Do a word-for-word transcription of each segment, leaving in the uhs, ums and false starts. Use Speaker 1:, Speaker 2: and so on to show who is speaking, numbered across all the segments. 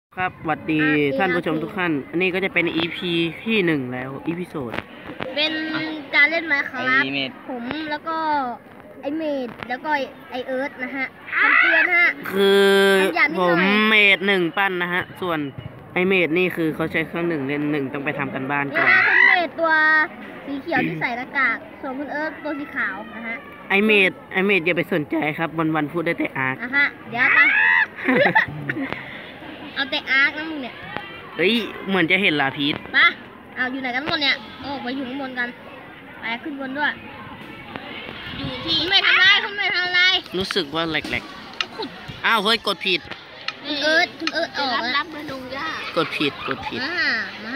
Speaker 1: ครับสวัสดีท่านผู้ชมทุกท่านอันนี้ก็จะเป็น อี พี ที่หนึ่งแล้ว อีพิโซด
Speaker 2: เป็นการเล่นไมค์ครับผมแล้วก็ไอเมดแล้วก็ไอเอิร์ธนะฮะคำเตือนฮะ
Speaker 1: คือผมเมดหนึ่งปั้นนะฮะส่วนไอเมดนี่คือเขาใช้เครื่องหนึ่งเล่นหนึ่งต้องไปทำกันบ้านก่อน
Speaker 2: คุณเมดตัวสีเขียวที่ใส่หน้ากากส่วนคุณเอิร์ธตัวสีขาวนะฮะ
Speaker 1: ไอเมดไอเมดอย่าไปสนใจครับวันวันพูดได้แต่อาร์ค
Speaker 2: นะฮะเดี๋ยวไปเอาแต่อาร์คนะมึงเนี่ย
Speaker 1: เฮ้ยเหมือนจะเห็นลาพีช
Speaker 2: ปะเอาอยู่ไหนกันหมดเนี่ยโอ้ไปอยู่ข้างบนกันไปขึ้นบนด้วยอยู่ที่ไม่ทำอะไรคุณไม่ทำอะไร
Speaker 1: รู้สึกว่าแหลกๆอ้าวเฮ้ยกดผิด
Speaker 2: คุณเอิร์ธคุณเอิร์ธออกรับรับมาลงย่าก
Speaker 1: ดผิดกดผิด
Speaker 2: มามา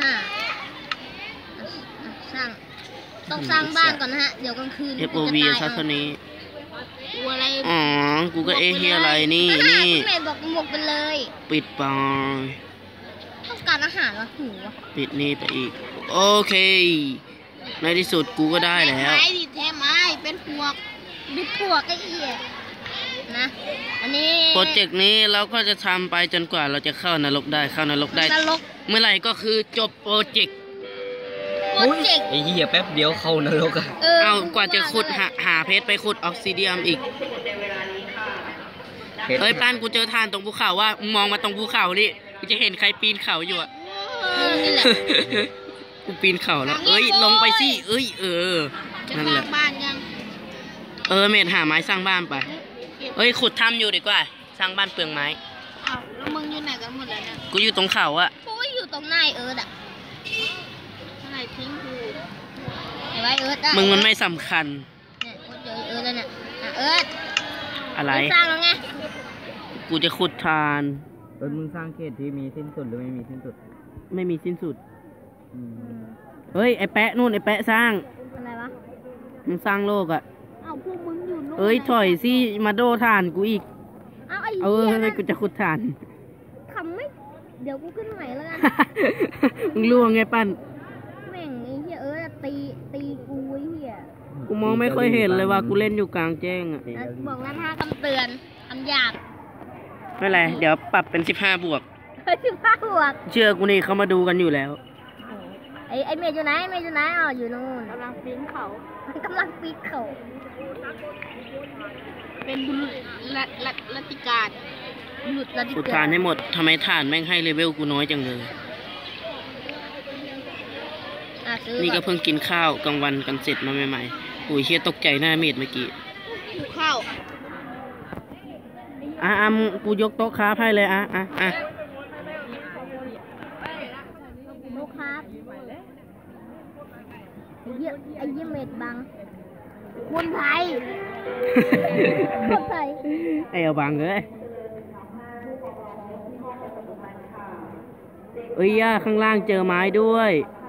Speaker 2: สร้างต้องสร้างบ้านก่อนนะฮะเดี๋ยวกลางคืน
Speaker 1: เอฟ โอ วี ซัสนี้อ๋อกูก็เอเฮียอะไรนี่นี่
Speaker 2: คุณเมย์บอกหมกไปเลย
Speaker 1: ปิดปอง
Speaker 2: ต้องการอาหารวะหิววะ
Speaker 1: ปิดนี่ไปอีกโอเคในที่สุดกูก็ได้แล้ว
Speaker 2: ไม้ดิแท้ไม้เป็นพวกดิพวกไอ้เหี้ยนะอันนี้
Speaker 1: โปรเจกต์นี้เราก็จะทำไปจนกว่าเราจะเข้านรกได้เข้านรกได้เมื่อไหร่ก็คือจบโปรเจกต์
Speaker 2: โปรเจกต์
Speaker 3: ไอ้เหี้ยแป๊บเดียวเข้านรกอะ
Speaker 1: เอากว่าจะขุดหาหาเพชรไปขุดออกซิเดียมอีกเฮ้ยป้านกูเจอทานตรงภูเขาว่ามองมาตรงภูเขานี่กูจะเห็นใครปีนเขาอยู่อ่ะกูปีนเขาแล้วเอ้ยลงไปสิเอ้ยเออนั่นแหละเออเมดหาไม้สร้างบ้านไปเอ้ยขุดถ้ำอยู่ดีกว่าสร้างบ้านเปลืองไม้
Speaker 2: อ้าวแล้วมึงอยู่ไหนกันหมดแล้วเนี่ย
Speaker 1: กูอยู่ตรงเขาอะ
Speaker 2: กูอยู่ตรงนายเอิร์ธอะนายทิ้งกูไอ้ไว้เอิร์ธอะ
Speaker 1: มึงมันไม่สำคัญ
Speaker 2: เนี่ยกูเจอเอิร์ธแล้วเนี่ยเอิร์ธ
Speaker 1: อะไร
Speaker 2: สร้างแล้วไง
Speaker 1: กูจะขุดทาน
Speaker 3: เออมึงสร้างเขตที่มีสิ้นสุดหรือไม่มีสิ้นสุด
Speaker 1: ไม่มีสิ้นสุดเฮ้ยไอแปะนู่นไอแปะสร้าง
Speaker 2: อะไรวะ
Speaker 1: มึงสร้างโลกอะ
Speaker 2: เอาพวกมึงอยู่นู่น
Speaker 1: เอ้ยถอยสิมาโดทานกูอีก
Speaker 2: เอาไอ้
Speaker 1: เออให้กูจะขุดทาน
Speaker 2: ทำไม่เดี๋ยวกูขึ้นใหม่แล้วกัน
Speaker 1: มึงล่วงไงปั้น
Speaker 2: แม่งไอ้เหี้ยเออตีตีกูไอ้เหี้ย
Speaker 1: กูมองไม่ค่อยเห็นเลยว่ากูเล่นอยู่กลางแจ้งอะ
Speaker 2: บอกแล้วห้าคำเตือนคำหยาบ
Speaker 1: ไม่เป็นไรเดี๋ยวปรับเป็นสิบห้าบวก
Speaker 2: สิบห้าบวก
Speaker 1: เชื่อกูนี่เขามาดูกันอยู่แล้ว
Speaker 2: ไอ้ไอ้เมย์อยู่ไหนเมย์อยู่ไหนอ๋ออยู่นู่นกำลังปีนเขากำลังปีนเขาเป็นบุรุษรัติการบุรุษรัติการ
Speaker 1: กูทานให้หมดทำไมทานแม่งให้เลเวลกูน้อยจังเลยนี่ก็เพิ่งกินข้าวกลางวันกันเสร็จมาใหม่ๆโอ้ยเชี่ยตกใจหน้าเมดเมื่อกี้
Speaker 2: ข้าว
Speaker 1: อ่ะอ่ะกูยกโต๊ะค้าให้เลยอ่ะอ่ะอ่ะ
Speaker 2: โต๊ะค้าไอ้เยี่ยไอ้เยี่ยเมดบังคนไทยคนไทย
Speaker 1: ไอ้เอาบังเลยเอ้ยย่าข้างล่างเจอไม้ด้วย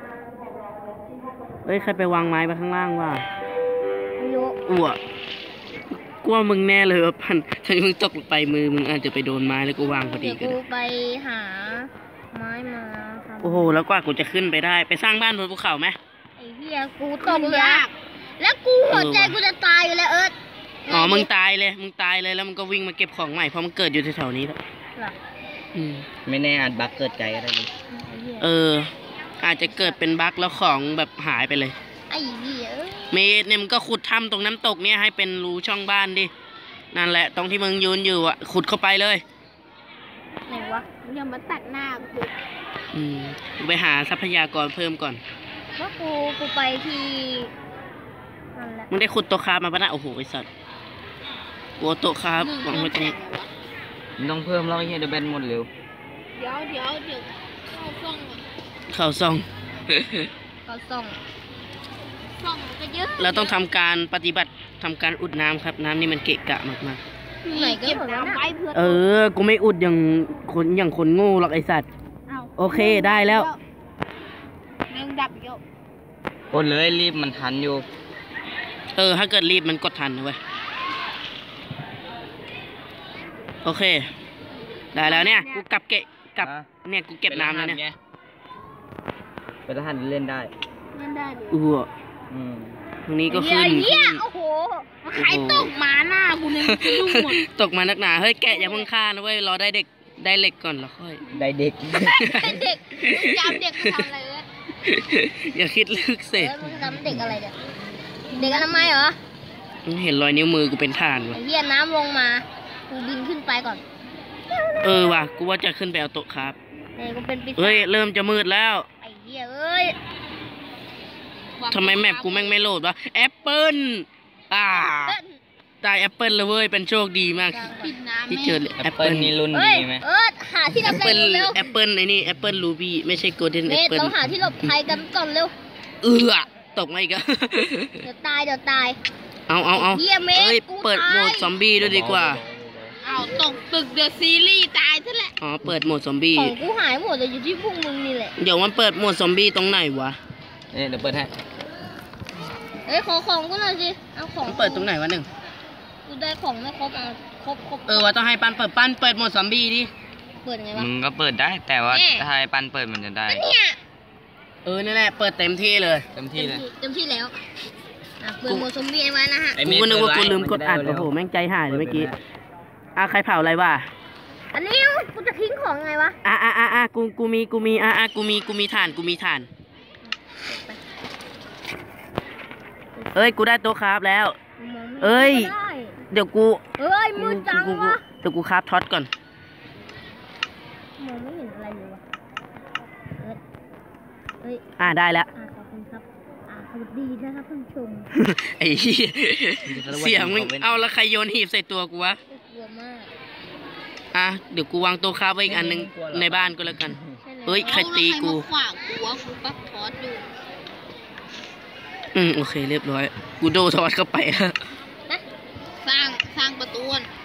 Speaker 1: เอ้ยใครไปวางไม้ไปข้างล่างวะอ้วกลัวมึงแน่เลยพันถ้ามึงตกไปมือมึงอาจจะไปโดนไม้แล้วกูวางพอดีกัน
Speaker 2: กูไปหาไม้มา
Speaker 1: โอ้โหแล้วกว่ากูจะขึ้นไปได้ไปสร้างบ้านบนภูเขาไหม
Speaker 2: ไอ้เหี้ยกูตกยากแล้วกูหัวใจกูจะตายอยู่แล้วเอิร์ธ
Speaker 1: อ๋อมึงตายเลยมึงตายเลยแล้วมึงก็วิ่งมาเก็บของใหม่เพราะมันเกิดอยู่แถวๆนี้แล้ว
Speaker 3: ไม่แน่อาจบั๊กเกิดใจอะไรนี่
Speaker 1: เอออาจจะเกิดเป็นบั๊กแล้วของแบบหายไปเลย
Speaker 2: ไอ้เหี้ย
Speaker 1: เมย์เนี่ยมึงก็ขุดถ้ำตรงน้ำตกเนี่ยให้เป็นรูช่องบ้านดินั่นแหละตรงที่มึงยืนอยู่อ่ะขุดเข้าไปเลย
Speaker 2: ไหนวะอย่ามาตัดหน้ากู
Speaker 1: อืมไปหาทรัพยากรเพิ่มก่อน
Speaker 2: ว่ากูกูไปที่นั่นแหละ
Speaker 1: มึงได้ขุดโต๊ะคาบมาปะนะโอ้โหไอ้สัตว์กูโต๊ะคาบวางไว้ตรงนี้
Speaker 3: มึงต้องเพิ่มแล้วไอ้เหี้ยเดี๋ยวแบนหมดเร็ว
Speaker 2: เดี๋ยวเดี๋ยวเดี๋ยวเข้าซ่อง
Speaker 1: เข้าซ่อง
Speaker 2: เข้าซ่องซ่องก็เยอะ
Speaker 1: เราต้องทำการปฏิบัติทำการอุดน้ำครับน้ำนี่มันเกะกะมากมาก
Speaker 2: ไหนก็เก็บน้ำไว้เพื่อ
Speaker 1: เออกูไม่อุดอย่างคนอย่างคนโง่หรอกไอสัตว์โอเคได้แล้ว
Speaker 2: แมงดับเยอะ
Speaker 3: กดเลยรีบมันทันอยู่
Speaker 1: เออถ้าเกิดรีบมันกดทันนะเว้ยโอเคได้แล้วเนี่ยกูกลับเกะกลับเนี่ยกูเก็บน้ำแล้วเนี่ย
Speaker 3: เป็นทหารเล่นได้
Speaker 2: เล่นได้
Speaker 1: อือตรงนี้ก็ขึ้น
Speaker 2: โอ้โหใครตกมาหน้ากูเนี่ยตก
Speaker 1: มานักหนาเฮ้ยแกะอย่าเพิ่งฆ่านะเว้ยรอได้เด็กได้เหล็กก่อนแล้วค่อย
Speaker 3: ได้เด็ก
Speaker 2: เด็กมึงจำเด็กมาทำอะไรเลย
Speaker 1: อย่าคิดลึกเส
Speaker 2: เออมึงจำเด็กอะไรเนี่ยเด็กอนามัยเหรอ
Speaker 1: เห็นรอยนิ้วมือกูเป็นฐาน
Speaker 2: ไอ้
Speaker 1: วะ
Speaker 2: เหี้ยน้ำลงมากูบินขึ้นไปก่อน
Speaker 1: เออว่ะกูว่าจะขึ้นไปเอาโต๊ะครับ
Speaker 2: เอ้ยกูเป็นปีศาจ
Speaker 1: เฮ้ยเริ่มจะมืดแล้ว
Speaker 2: ไอ้เหี้ยเอ้ย
Speaker 1: ทำไมแมปกูแม่งไม่โหลดวะแอปเปิลอ่าตายแอปเปิลเลยเว้ยเป็นโชคดีมาก
Speaker 2: ปิดน้ำ
Speaker 1: ที่เจอ
Speaker 3: แอ
Speaker 1: แอ
Speaker 3: ป
Speaker 1: ป
Speaker 3: เปิ
Speaker 1: เปิ
Speaker 3: ล
Speaker 1: ล
Speaker 3: นี่รุ่น
Speaker 2: เฮ้ย
Speaker 3: ดีไหม
Speaker 2: เออหาที่หล
Speaker 1: แอบ ป
Speaker 2: ภั
Speaker 1: เปิ
Speaker 2: ย
Speaker 1: ล
Speaker 2: เร็ว
Speaker 1: แอปเปิลไอ้นี่แอปเปิลรูบี้ไม่ใช่โกลเด้น
Speaker 2: เม
Speaker 1: แอป
Speaker 2: ธ
Speaker 1: เปิล
Speaker 2: เราหาที่หลบภัยกันก่อนเร็ว
Speaker 1: เออตกมาอีกอะ
Speaker 2: เดี๋ยวตายเดี๋ยวตาย
Speaker 1: เอาเอาเอา
Speaker 2: เหี้ยเมฆ
Speaker 1: เอ้ย
Speaker 2: กู
Speaker 1: เปิด
Speaker 2: ตาย
Speaker 1: โหมดซอมบี้ด้วยดีกว่า
Speaker 2: เอาตกตึกเดอะซีรีส์ตายซะแหละ
Speaker 1: อ๋อเปิดโหมดซอมบี้
Speaker 2: ของกูหายหมดเลยอยู่ที่พวกมึงนี่แหละ
Speaker 1: เดี๋ยวมันเปิดโหมดซอมบี้ตรงไหนวะ
Speaker 3: เนี่ยเดี๋ยวเปิดให้
Speaker 2: เอ้ยขอของกูหน่อยสิเอาของ
Speaker 1: มันเปิดตรงไหนวะหนึ่ง
Speaker 2: กูได้ของไม่ครบเอาครบครบ
Speaker 1: เออว่าต้องให้ปันเปิดปันเปิดโหมดซอมบี้ดิ
Speaker 2: เปิดยังไงวะ
Speaker 3: มึงก็เปิดได้แต่ว่า
Speaker 2: แน่
Speaker 3: ถ้าให้ปันเปิดมันจะได้
Speaker 2: ก็เนี่ย
Speaker 1: เออนั่นแหละเปิดเต็มที่เลย
Speaker 3: เต็มที่เลย
Speaker 2: เต็มที่แล้วอ่ะเปิดโหมดซอมบี้ไว้นะฮะ
Speaker 3: ไอ้
Speaker 1: กู
Speaker 3: เมฆ
Speaker 1: ก็นึกว่า
Speaker 3: เปิ
Speaker 1: กู
Speaker 3: ดไว้
Speaker 1: ลืมกดอัด
Speaker 3: มันจะได้
Speaker 1: โอ้โห
Speaker 3: เร็ว
Speaker 1: แม่งใจหายเลยเมื่อกี้อ่ะใครเผาอะไรวะ
Speaker 2: อันนี้กูจะทิ้งของไงวะ
Speaker 1: อ่ะอ่ะอ่ะอ่ะกูกูมีกูมีอ่ะอ่ะกูมีกูมีฐานกูมีฐานเอ้ยกูได้โต๊ะครับแล้ว
Speaker 2: มองไม่
Speaker 1: เอ้ย
Speaker 2: ได้
Speaker 1: เดี๋ยวกู
Speaker 2: เอ้ยมืดจัง
Speaker 1: กูกู
Speaker 2: วะ
Speaker 1: เดี๋ยวกูคราฟท็อตก่อน
Speaker 2: มองไม่เห็นอะไรเลยวะเอ้ยเอ้ย
Speaker 1: อ่ะได้แล้ว
Speaker 2: อ่าขอบคุณครับอ่าสวัสดีนะครับท่านผู้ชม
Speaker 1: ไอ้เหี้ยเสียงมึงเอาแล้วใครโยนหีบใส่ตัวกูวะ
Speaker 2: กลัวมาก
Speaker 1: อ่ะเดี๋ยวกูวางโต๊ะคราฟไว้อีกอันหนึงในบ้านก็แล้วกัน
Speaker 2: ใช่แล้ว
Speaker 1: เอ้ยใครตีกู
Speaker 2: ขวางกูวะกูปักทอดอยู่
Speaker 1: อืมโอเคเรียบร้อย กูโดทอดเข้าไปแล้ว
Speaker 2: นะสร้างสร้างประตู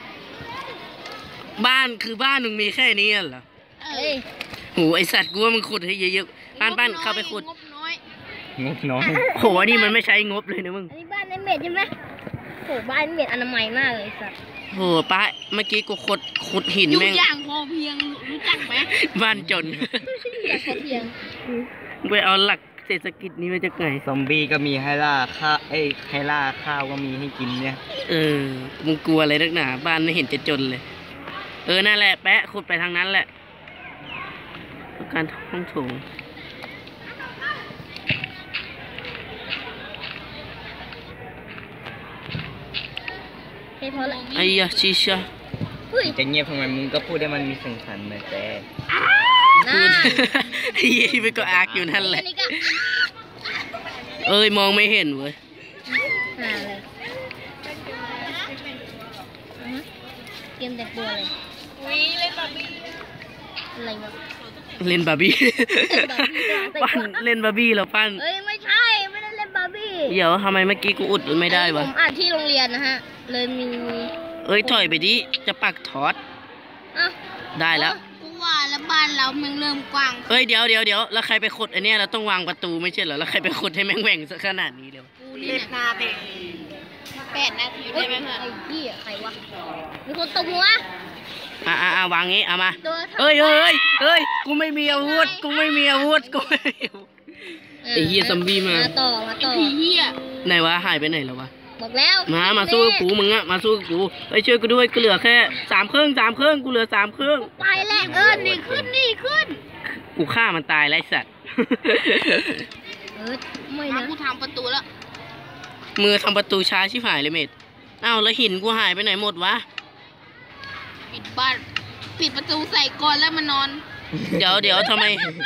Speaker 1: บ้านคือบ้านมึงมีแค่นี้เหรอ
Speaker 2: เอ้ย
Speaker 1: โหไอสัตว์กูว่ามึงขุดให้เยอะๆบ้านบ้านเข้าไปขุด
Speaker 2: งบน้อย
Speaker 3: งบน้อย
Speaker 1: โหนี่มันไม่ใช้งบเลยนะมึง
Speaker 2: อันนี้บ้านในเมดใช่ไหมโหบ้านเมดอนามัยมากเลยสัตว์
Speaker 1: โหป้าเมื่อกี้กูขุดขุดหิน
Speaker 2: อยู่
Speaker 1: แม่ง
Speaker 2: อย่างพอเพียงรู้จักไหม
Speaker 1: บ้านจน
Speaker 2: อย่างพอเพียง
Speaker 1: ไปเอาหลักเศรษฐกิจนี้มาจากไหน
Speaker 3: ซอมบี้ก็มีให้ล่าข้าวเอ้ยให้ล่าข้าวก็มีให้กินเนี่ย
Speaker 1: เออมึงกลัวอะไรนักหนาบ้านไม่เห็นจะจนเลย เออนั่นแหละแปะขุดไปทางนั้นแหละการห้องโถง
Speaker 2: เฮ้ยพอละ
Speaker 1: ไอ้ยาชิชา
Speaker 2: เฮ้ย
Speaker 3: จะเงียบทำไมมึงก็พูดได้มันมีเสียงสันหน่อยแต่
Speaker 1: พูด
Speaker 2: น่า
Speaker 1: ไอ้ยี่ไปก็อากอยู่นั่นแหละ
Speaker 2: อันนี้ก็
Speaker 1: เอ้ยมองไม่เห็นเว้ย
Speaker 2: หาเลยอือฮึเตรียมแต่งตัวเลยวิเล่นบาร์บี้อะไรวะ
Speaker 1: เล่นบาร์บี้
Speaker 2: บาร์บี้
Speaker 1: ปั้นเล่นบาร์บี้แล้วปั้น
Speaker 2: เอ้ยไม่ใช่ไม่ได้เล่นบาร์บี้
Speaker 1: เดี๋ยวทำไมเมื่อกี้กูอุดไม่ได้วะ
Speaker 2: ผมอ่านที่โรงเรียนนะฮะ เลยมี
Speaker 1: เอ้ยถอยไปดิจะปักทอด
Speaker 2: อ่ะ
Speaker 1: ได้แล้ว
Speaker 2: กูว่าแล้วบ้านเราแม่งเริ่มกว้าง
Speaker 1: เอ้ยเดี๋ยวเดี๋ยวเดี๋ยวแล้วใครไปขุดไอเนี้ยเราต้องวางประตูไม่ใช่เหรอแล้วใครไปขุดให้แม่งแหว่งซะขนาดนี้เลยวะ
Speaker 2: กูนี่นาทีแปดนาทีได้ไหมเพื่อนไอ้พี่ใครวะมีคนตบหัว
Speaker 1: อ่ะอ่ะอ่ะวางงี้เอามา
Speaker 2: โดนทำ
Speaker 1: เอ้ยเอ้ยเอ้ยกูไม่มีอาวุธกูไม่มีอาวุธกูไม่มีอาวุธ ไอ้เหี้ยซอมบี้มา
Speaker 2: มาต่อมาต่อไอ้เหี้ย
Speaker 1: ไหนวะหายไปไหนแล้ววะ
Speaker 2: บอกแล้ว
Speaker 1: มามาสู้กับกูมึงอะมาสู้กับกูเอ้ยช่วยกูด้วยกูเหลือแค่สามเครื่องสามเครื่องกูเหลือสามเครื่อง
Speaker 2: ไปแล้วเออนี่ขึ้นนี่ขึ้น
Speaker 1: กูฆ่ามันตายไรสัตว์
Speaker 2: เออไม่นะกูทำประตูแล้ว
Speaker 1: มือทำประตูช้าชิบหายเลยเมดอ้าวแล้วหินกูหายไปไหนหมดวะ
Speaker 2: ปิดบ้านปิดประตูใส่ก่อนแล้วมานอน
Speaker 1: เดี๋ยวเดี๋ยวทำไม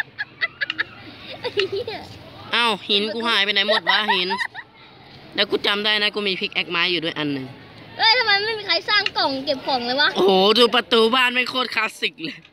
Speaker 1: อ้าวหินกูหายไปไหนหมดวะหินแล้วกูจำได้นะกูมีพิกแอคไม้อยู่ด้วยอันหนึ่ง
Speaker 2: เอ้ยทำไมไม่มีใครสร้างกล่องเก็บของเลยวะ
Speaker 1: โอ้โหดูประตูบ้านไม่งโคตรคลาสสิกเลย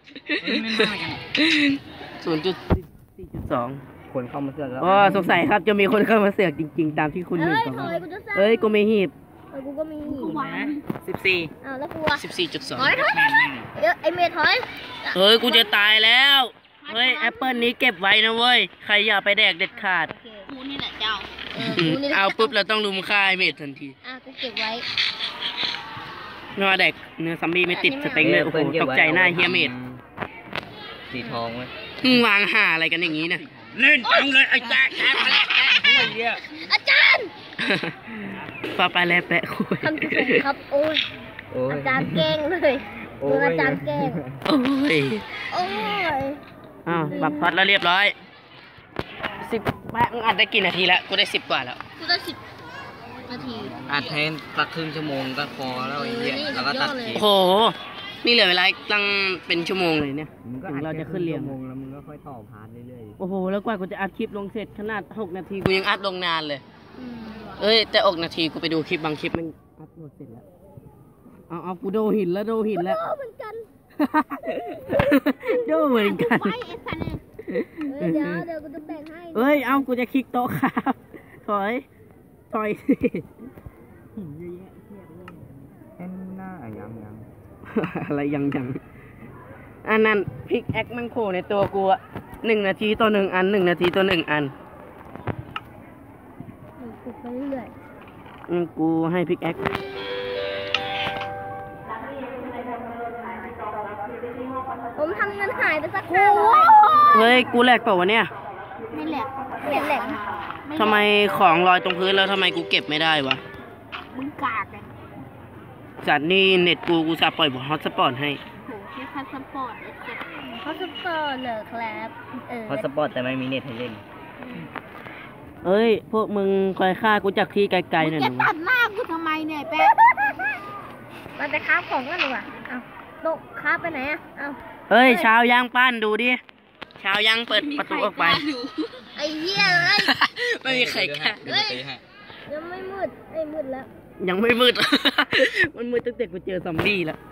Speaker 1: ศูนย์จุดสี่จุดสอง
Speaker 3: คนเข้ามาเสือกแล้ว
Speaker 1: อ๋อสงสัยครับจะมีคนเข้ามาเสือกจริงๆ ตามที่คุณ
Speaker 2: เอ้
Speaker 1: เห็น
Speaker 2: ย
Speaker 1: ก่อน
Speaker 2: ถอยกูจะสร้าง
Speaker 1: เอ้ยกูไม่หีบ
Speaker 2: เอ้ยกูก็มี
Speaker 3: สิบสี่
Speaker 2: อ้าวแล้วกูอะ
Speaker 1: สิบสี่จุดสอง
Speaker 2: ถอยถอยเอ้ยไอเมย์ถอย
Speaker 1: เฮ้ยกูจะตายแล้วเฮ้ยแอปเปิลนี้เก็บไว้นะเว้ยใครอย่าไปแดกเด็ดขาด
Speaker 2: โอเคกูนี่แหละเจ้าเออ
Speaker 1: อืม
Speaker 2: กูนี่แหละ
Speaker 1: เอาปุ๊บเราต้องลุมฆ่าไอ้เมดทันที
Speaker 2: อ่ะกูเก็บไว้
Speaker 1: ไม่ว่าแดกเนื้อซัมบี้ไม่ติดสเต็งเลยโอ้โหตกใจหน้าเฮียเมด
Speaker 3: สีทองไหม
Speaker 1: มึงวางห่าอะไรกันอย่างนี้นะ
Speaker 3: เล่นจังเลยไอ้แจ๊คแจ๊คแจ๊คแจ๊คไอ้เหี้ย
Speaker 2: อาจารย์
Speaker 1: ปาไปแล้วแปะคุย
Speaker 2: ทำกุศลครับโอ้ย
Speaker 3: โอ้ย
Speaker 2: อาจารย์เก่งเลยโดนอาจารย์แกล้ง
Speaker 1: โอ้ย
Speaker 2: โอ้ย
Speaker 1: อ้าวปรับพอดแล้วเรียบร้อยสิบแม่งอัดได้กี่นาทีแล้วกูได้สิบกว่าแล้ว
Speaker 2: กูได้สิบนาที
Speaker 3: อัดให้สักครึ่งชั่วโมงก็พอแล้วไอ้เหี้ยแล้วก็ตัดคลิป
Speaker 1: โอ้โหนี่เหลือเวลาตั้งเป็นชั่วโมงเลยเนี่ยถึงเราจะขึ้นเรียง
Speaker 3: ชั่วโมงแล้วมึงก็ค่อยต่อพาร์ทเรื่อย
Speaker 1: โอ้โหแล้วกว่ากูจะอัดคลิปลงเสร็จขนาดหกนาทีกูยังอัดลงนานเลย
Speaker 2: อืม
Speaker 1: เอ้ยแต่อกนาทีกูไปดูคลิปบางคลิปมันอัพโหลดเสร็จแล้ว เอาเอากูโดนหินแล้วโดนหินแล้ว
Speaker 2: โอ้เหมือนกัน
Speaker 1: โดนเหมือนกัน
Speaker 2: ไปไอ้สันเนี่ยเออเดี๋ยวเดี๋ยวกูจะแบ่งให้
Speaker 1: เอ้ยเอากูจะคลิกโต๊ะครับถอยถอยสิหินเยอะแยะเทียบเลย
Speaker 3: ๆเอ็นหน้ายังยัง
Speaker 1: อะไรยังยังอันนั้นพิกแอคมันโคในตัวกูอะหนึ่งนาทีต่อหนึ่งอันหนึ่งนาทีต่อหนึ่งอัน
Speaker 2: กูไปเรื่อย
Speaker 1: อืมกูให้พิกแอค
Speaker 2: ผมทำเงินหายไปสักห้าร้อย
Speaker 1: เฮ้ยกูแหลกเปล่าวะเนี่ย
Speaker 2: ไม่แหลกไม่แหลก
Speaker 1: ทำไมของลอยตรงพื้นแล้วทำไมกูเก็บไม่ได้วะ
Speaker 2: มึงกากเลย
Speaker 1: สัตว์นี่เน็ตกูกูจะปล่อยบอทฮอตสปอร์ตให้
Speaker 2: โหแค่พาสปอร์ตไอ้เจ็บพาสปอร์ตเหรอครับเออ
Speaker 3: พอสปอร์ตแต่ไม่มีเน็ตให้เล่น
Speaker 1: เอ้ย พวกมึงคอยฆ่ากูจากที่ไกลๆหน่อย
Speaker 2: จะ
Speaker 1: นะ
Speaker 2: ตัดหน้ากูทำไมเนี่ยแป๊ะมันจะค้าของกันดีกว่าเอาโต๊ะค้าไปไหนอ่ะเอา
Speaker 1: เฮ้ยเช้าย่างปั้นดูดิเช้าย่างเปิดประตูออกไป
Speaker 2: ไอ้เหี้ยเลย
Speaker 1: ไม่มีใครกล้า
Speaker 3: เดี๋ยวจะตีให้
Speaker 2: ยังไม่มืดไอ้ยมืดแล้ว
Speaker 1: ยังไม่มืด มันมืดตั้งแต่กูเจอซอมบี้แล้ว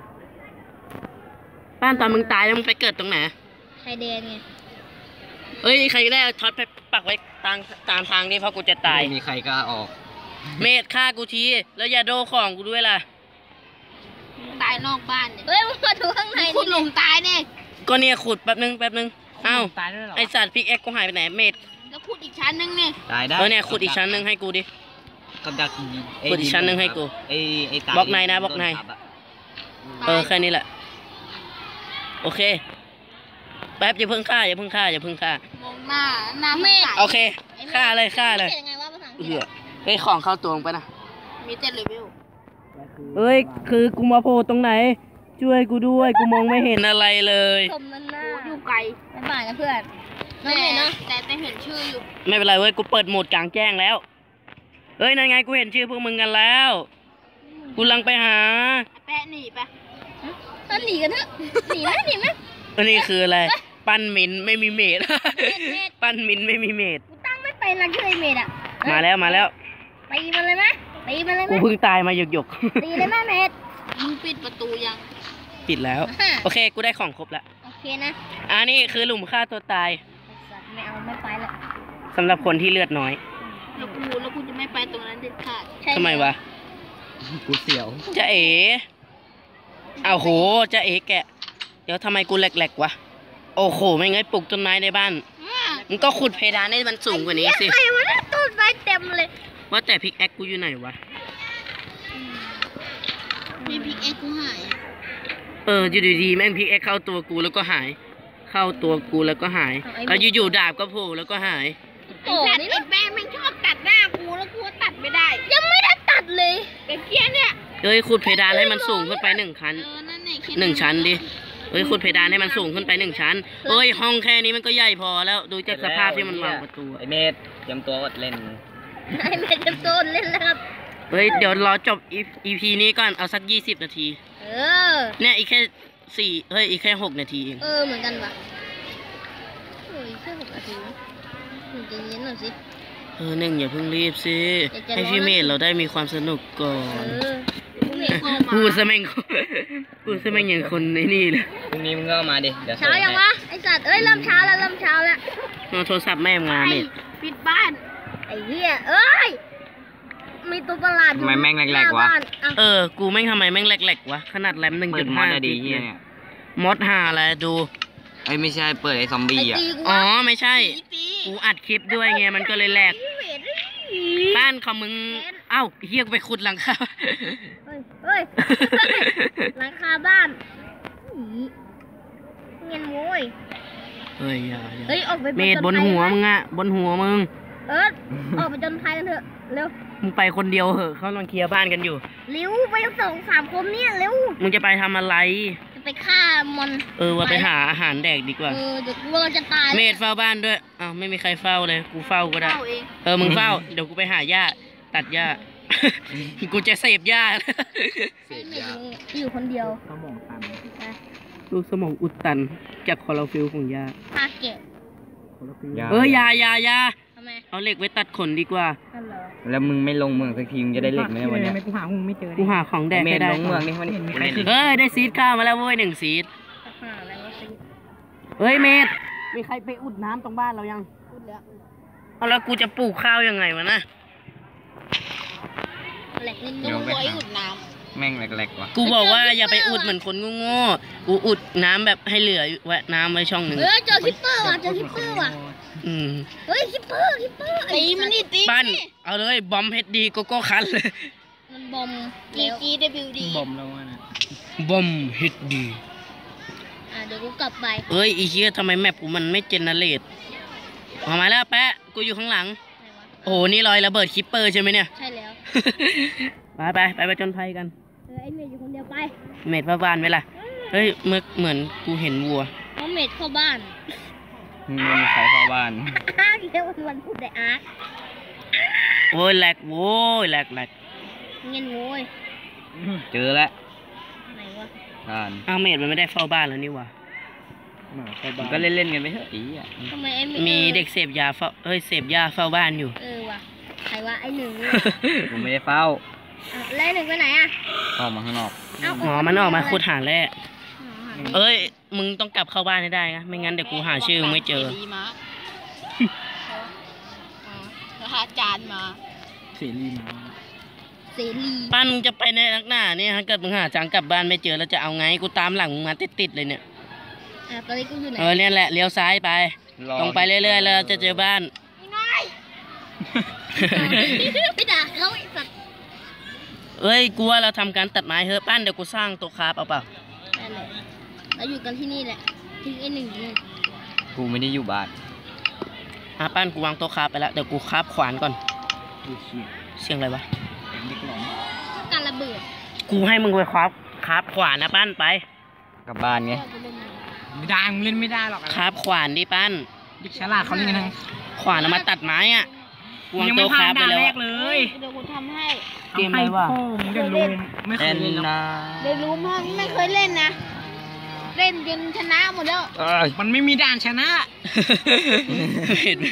Speaker 1: ป้านตอนมึงตายแล้วมึงไปเกิดตรงไหน
Speaker 2: ไข่แดงไง
Speaker 1: เอ้ยใครได้เอาท็อตไปปักไว้ตามตามทางนี้เพราะกูจะตาย
Speaker 3: ไม่มีใครกล้าออก
Speaker 1: เมดฆ่ากูทีแล้วอย่าโดของกูด้วยล่ะ
Speaker 2: ตายนอกบ้านเนี่ยเฮ้ยมึงมาดูข้างในคุณหลงตายเนี่ย
Speaker 1: ก็เนี่ยขุดแป๊บนึงแป๊บนึงเอ้า
Speaker 3: ตายด้วยเหรอ
Speaker 1: ไอสัตว์พิกเอ็กกูหายไปไหนเมด
Speaker 2: แล้วขุดอีกชั้นนึงเนี่ย
Speaker 3: ตายได้
Speaker 1: เออเนี่ยขุดอีกชั้นหนึงให้กูดิ
Speaker 3: กับดัก
Speaker 1: ขุดอีกชั้นหนึ่งให้กู
Speaker 3: ไอ้ไอ้ตา
Speaker 1: บล็อกในนะบล็อกใน
Speaker 3: โดทัอะ
Speaker 1: เออแค่นี้แหละโอเคแป๊บอย่าเพิ่งฆ่าอย่าเพิ่งฆ่าอย่าเพิ่งฆ่าม
Speaker 2: องหน้าหน้าเมฆ
Speaker 1: โอเคฆ่าเลยฆ่าเลย
Speaker 2: เขียนยังไงว่าภาษาอังกฤษ
Speaker 1: เหี้ยเฮ้ยของเข้าตัวมึงไปนะ
Speaker 2: มีเจ็ดเลเวล
Speaker 1: เอ้ยคือกูมาโผล่ตรงไหน ช่วยกูด้วยกูมองไม่เห็นอะไรเลย
Speaker 2: ชมนั่นหน้าอยู่ไกลไม่บ่ายนะเพื่อนน้องเห็นนะแต่แต่เห็นชื่ออยู่
Speaker 1: ไม่เป็นไรเว้ยกูเปิดโหมดกลางแจ้งแล้วเฮ้ยนั่นไงกูเห็นชื่อพวกมึงกันแล้วกูลังไปหา
Speaker 2: แปะหนีไปต้นหนีกันเถอะหนีไหมหนีไหม
Speaker 1: อันนี้คืออะไรปั้นมินไม่มีเมด ปั้นมินไม่มีเมด
Speaker 2: กูตั้งไม่เป็นละชื่อไอเมดอ่ะ
Speaker 1: มาแล้วมาแล้ว
Speaker 2: ตีมันเลยไหมตีมันเลยไหม
Speaker 1: กูเพิ่งตายมาหยกหยก
Speaker 2: ตีเลยไหมเมดมึงปิดประตูยัง
Speaker 1: ๆปิดแล้ว
Speaker 2: อ่า
Speaker 1: โอเคกูได้ของครบแล้ว
Speaker 2: โอเคนะ
Speaker 1: อันนี้คือหลุมฆ่าตัวตาย
Speaker 2: ไอ้สัตว์ไม่เอาไม่ไปละ
Speaker 1: สำหรับคนที่เลือดน้อย
Speaker 2: แล้วกูแล้วกูจะไม่ไปตรงนั้นเด็ดขาดใช่
Speaker 1: ทำไมวะ
Speaker 3: กูเสียว
Speaker 1: จะเอ๋เอาโหจะเอ๋แกะ เดี๋ยวทำไมกูแหลกๆวะโอ้โหไม่งั้นปลูกต้นไม้ในบ้านมึงก็ขุดเพดานให้มันสูงกว่านี้สิ
Speaker 2: ใครวะเนี่ยต้นไม้เต็มเลย
Speaker 1: ว่าแต่พิกแอคกูอยู่ไหนวะ
Speaker 2: มีพิกเอ็กกูหาย
Speaker 1: เอออยู่ดีๆแม่งพิกแอคเข้าตัวกูแล้วก็หาย เข้าตัวกูแล้วก็หายแล้วอยู่ๆดาบก็โผล่แล้วก็หาย
Speaker 2: โอ้นี่ไอ้แม่แม่งชอบตัดหน้ากูแล้วกูตัดไม่ได้ ยังไม่ได้ตัดเลยไอ้เกี้ยเนี่ย
Speaker 1: เอ้ยขุดเพดานให้มันสูงขึ้นไปหนึ่งชั้น
Speaker 2: เออนั่นนี่
Speaker 1: หนึ่งชั้นดิเอ้ยขุดเพดานให้มันสูงขึ้นไปหนึ่งชั้นเอ้ยห้องแค่นี้มันก็ใหญ่พอแล้วดูจากสภาพที่มันวางประตู
Speaker 3: ไอ้เมธเตรียมตัวอดเล่น
Speaker 2: ไอ้แม่จะโซนเล่นแล้วครับ
Speaker 1: เฮ้ยเดี๋ยวรอจบ อี พี นี้ก่อนเอาสักยี่สิบนาที
Speaker 2: เออ
Speaker 1: เนี่ยอีกแค่สี่เฮ้ยอีกแค่หกนาทีเอง
Speaker 2: เออเหมือนกันว่ะโอ้ยแค่หกนาทีหนึ่งใจเย็นหน่อยสิ
Speaker 1: เออหนึ่งอย่าเพิ่งรีบสิ
Speaker 2: เดี๋ยวจะ
Speaker 1: ให้พี่เมธเราได้มีความสนุกก่อ
Speaker 2: เอน อพรุ่งนี้โทรมา
Speaker 1: พูดซะแม่ง พูดซะแม่งอย่างคนในนี่เลย
Speaker 3: พรุ่งนี้มึงก็เอามาดิ เดี๋ยว
Speaker 2: เช้ายังวะไอสัตว์เอ้ยเริ่มเช้าแล้วเริ่มเช้าแล้ว
Speaker 1: เอาโทรศัพท์แม่มาเมธ
Speaker 2: ปิดบ้านไอ้เหี้ยเอ้ยมีตัวประหลาดอยู่
Speaker 3: ทำไมแม่งแหลกๆวะ
Speaker 2: หน้าบ้านอ่ะ
Speaker 1: เออ กูแม่งทำไมแม่งแหลกๆวะ ขนาดแรมหนึ่ง
Speaker 3: เปิ
Speaker 1: จุ
Speaker 3: ด
Speaker 1: ด
Speaker 3: มอ
Speaker 1: ห้า
Speaker 3: ดอะดีเฮียเนี่ย
Speaker 1: มอดหาอะไรดู
Speaker 3: เอ้ยไม่ใช่เปิดไอ้ซอมบี้
Speaker 2: ไอ้
Speaker 3: อ่ะ
Speaker 2: ตีกู
Speaker 1: อ๋อ
Speaker 2: วะ
Speaker 1: ไม่ใช่
Speaker 2: ตีตี
Speaker 1: กูอัดคลิปด้วยไงมันก็เลยแหลก
Speaker 2: เวท
Speaker 1: บ้านของมึง เอ้าเฮียกูไปขุดหลังคา
Speaker 2: เฮ้ยเฮ้ยหลังคาบ้านอีเงินโว้ย
Speaker 1: เฮ้ยอย่าอย่า
Speaker 2: เฮ้ยออกไป
Speaker 1: เมดบนหัวมึงอะบนหัวมึง
Speaker 2: เออออกไปจนภัยกันเถอะเร็ว
Speaker 1: มึงไปคนเดียวเหอะเขากำลังเคลียร์บ้านกันอยู่
Speaker 2: เร็วไปสองสามคนเนี่ยเร็ว
Speaker 1: มึงจะไปทำอะไร
Speaker 2: จะไปฆ่ามัน
Speaker 1: เออว่าไปหาอาหารแดกดีกว่า
Speaker 2: เออเดี๋ยวกูเราจะตาย
Speaker 1: เมดเฝ้าบ้านด้วยอ้าวไม่มีใครเฝ้าเลย กูเฝ้าก็ได้
Speaker 2: เข้าเอง
Speaker 1: เออ มึงเฝ้า เดี๋ยวกูไปหาหญ้า ตัดหญ้า กูจะเสพหญ้า
Speaker 2: ไอ้เมดอยู่คนเดียว
Speaker 3: สมองตัน
Speaker 2: นะ
Speaker 1: ลูกสมองอุดตันจากคลอโรฟิลของหญ้า
Speaker 2: ฆ่าแกะ
Speaker 1: เออยาอยาอยา
Speaker 2: ทำไม
Speaker 1: เอาเหล็กไว้ตัดขนดีกว่า
Speaker 2: นั่นเหรอ
Speaker 3: แล้วมึงไม่ลงเมืองสักทีมึงจะได้เหล็กไหมวันเนี้ย
Speaker 4: กูหาหงไม่เจอ
Speaker 1: กูหาของแดก
Speaker 3: เม
Speaker 1: ให้
Speaker 3: น
Speaker 1: ได้
Speaker 3: ลงเมืองนี่มันกูเล่น
Speaker 1: เฮ้ย ได้ซีดข้าวมาแล้วเว้ยหนึ่งซีด
Speaker 2: จะฆ่าอะไรวะสิ
Speaker 1: เฮ้ยเมดมีใครไปอุดน้ำตรงบ้านเรายัง
Speaker 2: พูดแล้ว
Speaker 1: เอาแล้วกูจะปลูกข้าวยังไงวะนะ
Speaker 2: แหลกนิดนึ
Speaker 3: เดี๋
Speaker 2: ง
Speaker 3: ยวไปหาแม่งแหลกๆว่ะ
Speaker 1: กูบอกว่าอย่าไปอุดเหมือนคนโง่ๆกูอุดน้ำแบบให้เหลือไว้น้ำไว้ช่องหนึ่ง
Speaker 2: เฮ้ยเจอคิปเปอร์ว่ะเจอคิปเปอร์ว่ะ
Speaker 1: อืม
Speaker 2: เฮ้ยคิปเปอร์คิปเปอร์ตีมันนี่ตี
Speaker 1: ปั้นเอาเลยบอมเฮดดีโกโก้คันเลย
Speaker 2: มันบอมแล้ว G W D
Speaker 4: บ่มแล้วนะ
Speaker 1: บอมเฮดดี
Speaker 2: อ่ะเดี๋ยวกูกลับไป
Speaker 1: เอ้ยอีเชี่ยทำไมแมปกูมันไม่เจเนเรตออกมาแล้วแปะกูอยู่ข้างหลัง
Speaker 2: ไหนวะ
Speaker 1: โอ้โหนี่รอยระเบิดคิปเปอร์ใช่ไหมเนี่ย
Speaker 2: ใช่แล้ว
Speaker 1: ไปไปไปไปจนภัยกัน
Speaker 2: เออไอเมดอยู่คนเดียวไป
Speaker 1: เมดพระบานไหมล่ะเฮ้ยเมื่อเหมือนกูเห็นวัว
Speaker 2: เพราะเมดเข้าบ้าน
Speaker 3: มึงไม่มีใครเข้าบ้าน
Speaker 2: อาร์คเรียกว่าวันพูดได้อาร์ค
Speaker 1: โอ้ยแหลกโว้ยแหลกแหลก
Speaker 2: เงินโว้ย
Speaker 3: เจอแล้ว
Speaker 2: ไหนวะ
Speaker 3: ท่าน
Speaker 1: อ้าวเมดมันไม่ได้เฝ้าบ้านแล้วนี่หวะ
Speaker 4: หมาเข้า
Speaker 3: มึ
Speaker 4: บ้าง น
Speaker 3: ก็เล่นๆกันไปเถอะอีอ่ะ
Speaker 2: ทำไมไอเมด
Speaker 1: มีเด็กเสพยาเฝ้าเอ้ยเสพยาเฝ้าบ้านอยู่
Speaker 2: เออว่ะใครวะไอหนึ่ง
Speaker 3: กูไม่ได้เฝ้า
Speaker 2: อ่ะแล้วไอ้หนึ่งไปไหนอ่ะ
Speaker 3: ออกมาข้างนอก
Speaker 2: เอ้า
Speaker 1: หมอมันออกมาขุดหาแร่
Speaker 2: อ๋อหาไม่
Speaker 1: เอ้ยมึงต้องกลับเข้าบ้านให้ได้นะไม่งั้นเดี๋ยวกูหาชื่อมึงไม่เจอ
Speaker 5: ดีมาแล้วอาจารย์มา
Speaker 4: เสรีมา
Speaker 2: เสรี
Speaker 1: ปั้นมึงจะไปในนักหน้าเนี่ยถ้าเกิดมึงหาจังกลับบ้านไม่เจอแล้วจะเอาไงกูตามหลังมึงมาติดๆเลยเนี่ย
Speaker 2: อ่ะตอนนี้กูอยู่ไหน
Speaker 1: เออเนี่ยแหละเลี้ยวซ้ายไป
Speaker 3: รอ
Speaker 1: ตรงไปเรื่อยๆแล้วจะเจอบ้าน
Speaker 2: ไปด่าเขาไอ้สัตว์
Speaker 1: เอ้ยกูว่าเราทำการตัดไม้เฮ้ยปั้นเดี๋ยวกูสร้างโต๊ะคราฟเอาเปล่า
Speaker 2: นั่นแหละเราอยู่กันที่นี่แหละทิ้งไอ้หนึ่งอยู่นู่น
Speaker 3: กูไม่ได้อยู่บ้าน
Speaker 1: อ่ะปั้นกูวางโต๊ะคราฟไปแล้วเดี๋ยวกูคราฟขวานก่อน
Speaker 4: ดูเชี่ย
Speaker 1: เสียงอะไรวะ
Speaker 4: เด็กหลง
Speaker 2: การระเบิด
Speaker 1: กูให้มึงไปคราฟคราฟขวานนะปั้นไป
Speaker 3: กลับบ้านไง
Speaker 4: ไม่ได้มึงเล่นไม่ได้หรอก
Speaker 1: คราฟขวานดิปั้น
Speaker 4: เด็กฉลาดเขาเล่นกันทั้ง
Speaker 1: ขวานเอามาตัดไม้อ่ะกูวาง
Speaker 4: ยังไม่
Speaker 1: โต๊ะค
Speaker 4: ผ่า
Speaker 1: ราฟไป
Speaker 4: นด่าน
Speaker 1: แล้ว
Speaker 4: แร
Speaker 1: อะ
Speaker 4: กเลย
Speaker 5: เดี๋ยวกูทำให้
Speaker 1: เกมอะไรวะ
Speaker 4: พ่อมึงจะรู้ไม่เค
Speaker 3: แอย น
Speaker 4: เล่นหรอก
Speaker 3: นา
Speaker 5: เดี๋ยวรู้มั้งไม่เคยเล่นนะ เล่นจนชนะหมดแล้ว
Speaker 3: เอ้ย
Speaker 4: มันไม่มีด่านชนะ
Speaker 1: เห็นไหม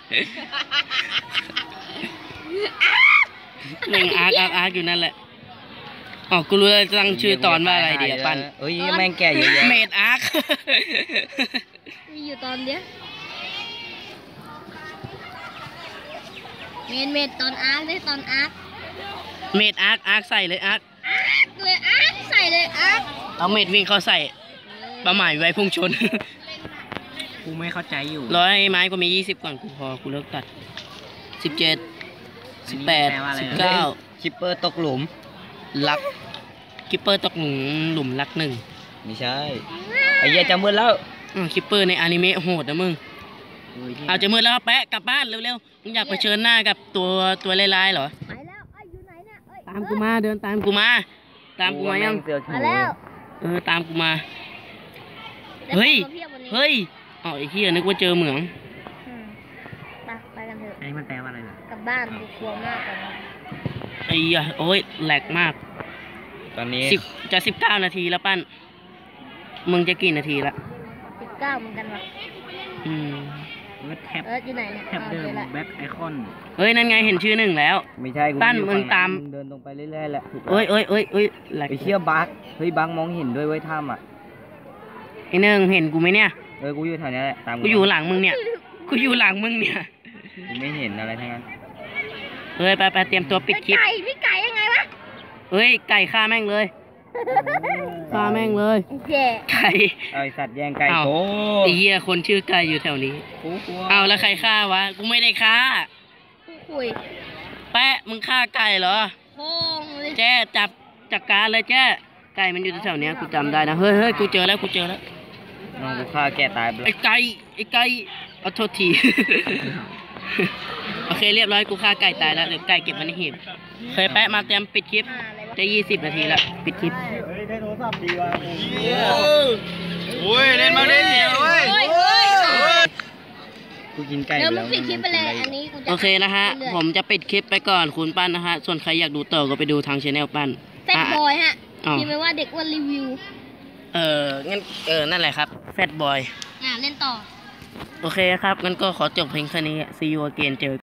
Speaker 1: หนึ่งอาร์คอาร์คอาร์คอยู่นั่นแหละอ๋อกูรู้แล้วตั้งชื่อตอนว่าอะไรดีอะปั้น
Speaker 3: เอ้ยแม่งแก่เยอะแยะ
Speaker 1: เมดอาร์ค
Speaker 2: มีอยู่ตอนเดียวเมนเมนตอนอาร์คได้ตอนอาร์ค
Speaker 1: เมดอาร์คอาร์คใส่เลยอาร์ค
Speaker 2: อาร์คเลยอาร์คใส่เลยอาร์ค
Speaker 1: เอาเมดวิ่งเข้าใส่ประหมายไว้พุ่งชน
Speaker 4: กูไม่เข้าใจอยู่
Speaker 1: ร้อยไม้ก็มียี่สิบก่อนกูพอกูเลิกตัดสิบเจ็ดสิบแปดสิบเก้า
Speaker 3: คิปเปอร์ตกหลุม
Speaker 1: ลักคิปเปอร์ตกหลุมหลุมลักหนึ่ง
Speaker 3: ไม่ใช่ ไอ้เหี้ยจะมืดแล้ว
Speaker 1: อ่าคิปเปอร์ในอนิเมะโหดนะมึงเอาจะมืดแล้วแปะกลับบ้านเร็วๆมึงอยากเผชิญหน้ากับตัวตัวลายๆเหรอ
Speaker 2: ไปแล้วไอ้ยอยู่ไหนเนี่ยเอ้ย
Speaker 1: ตามกูมาเดินตามกูมา ตามกูมายัง
Speaker 3: เสือก
Speaker 2: มาแล้ว
Speaker 1: เออตามกูมา เฮ้ย
Speaker 2: ได้ของมาพีบวันนี้
Speaker 1: เฮ้ยอ๋อไอ้เหี้ยนึกว่าเจอเหมือง
Speaker 2: อืมไปไปกันเถอะ
Speaker 4: ไอ้มันแปลว่าอะไรล่ะ
Speaker 2: กลับบ้านกูกลัวมากกว่านี้
Speaker 1: ไอ้เหี้ยโอ้ยแหลกมาก
Speaker 3: ตอนนี้
Speaker 1: สิบจะสิบเก้านาทีแล้วปั้นมึงจะกี่นาทีละ
Speaker 2: สิบเก้าเหมือนกันวะ
Speaker 1: อืม
Speaker 4: เวิร์ดแท็บ
Speaker 2: เอออยู่ไหนเนี่ย
Speaker 4: แท็บเดิม
Speaker 2: อาจอละ
Speaker 4: แบ็คไอคอน
Speaker 1: เฮ้ยนั่นไงเห็นชื่อหนึ่งแล้ว
Speaker 3: ไม่ใช่กู
Speaker 1: ปั้น
Speaker 3: อยู่
Speaker 1: มึง
Speaker 3: ฝั่
Speaker 1: ตาม
Speaker 3: มึงเดินตรงไปเรื่อยๆแหละถูก
Speaker 1: เอ้ยเอ้ยเอ้ยเอ้ยแหลก
Speaker 3: ไอ้เชี่ยบักเฮ้ยบักมองเห็นด้วยเว้ยถ้ำอ่ะ
Speaker 1: ไอ้หนึ่งเห็นกูไหมเนี่ย
Speaker 3: เออกูอยู่แถวนี้แหละตาม
Speaker 1: กูอยู่หลังมึงเนี่ยกูอยู่หลังมึงเนี่ย
Speaker 3: กูไม่เห็นอะไรทั้งนั้น
Speaker 1: เฮ้ยไปไปเตรียมตัวปิดคลิป
Speaker 2: ไก่พี่ไก่ยังไงวะ
Speaker 1: เฮ้ยไก่ฆ่าแม่งเลยฆ่าแม่งเลย
Speaker 2: ไอ้เจ๊
Speaker 1: ไก่
Speaker 3: เอาไอ้สัตว์แย่งไก่
Speaker 1: อ้าว
Speaker 3: โอ้
Speaker 1: ไอ้เหี้ยคนชื่อไก่อยู่แถวนี้
Speaker 3: โหกลัว
Speaker 1: เอาแล้วใครฆ่าวะกูไม่ได้ฆ่า
Speaker 2: กูคุย
Speaker 1: แปะมึงฆ่าไก่เหรอ
Speaker 2: โค้งเลย
Speaker 1: แจ้จับจัดการเลยแจ้ไก่มันอยู่แถวๆเนี้ยกูจำได้นะเฮ้ยเฮ้ยกูเจอแล้วกูเจอแล้ว
Speaker 3: น้องกูฆ่าแกตายไป
Speaker 1: ไอ้ไก่ไอ้ไก่เอาโทษทีโอเคเรียบร้อยกูฆ่าไก่ตายแล้วเดี๋ยวไก่เก็บไว้ในหีบเคยแปะมาเตรียมปิดคลิปได้ยี่สิบนาทีแล้วปิดคลิป
Speaker 3: โอ้ยเล่นมาเล่นเดียวเว้ย
Speaker 2: เฮ้ยเฮ้ย
Speaker 3: กูกินไก่
Speaker 2: เดี๋ยวมึ
Speaker 3: แล้
Speaker 2: ง
Speaker 3: ว
Speaker 2: ปิดคลิปไปเลยอันนี้กูจะ
Speaker 1: โอเคนะฮะผมจะปิดคลิปไปก่อนคุณปั้นนะฮะส่วนใครอยากดูต่อก็ไปดูทางช anel ปั้น
Speaker 2: แฟตบอยฮะ
Speaker 1: อ๋อ
Speaker 2: พิมพ์ไว้ว่าเด็กอ้วนรีวิว
Speaker 1: เอองั้นเออนั่นแหละครับแฟตบอย
Speaker 2: อ่าเล่นต่อ
Speaker 1: โอเคครับงั้นก็ขอจบเพลงแค่นี้ see you again เจอ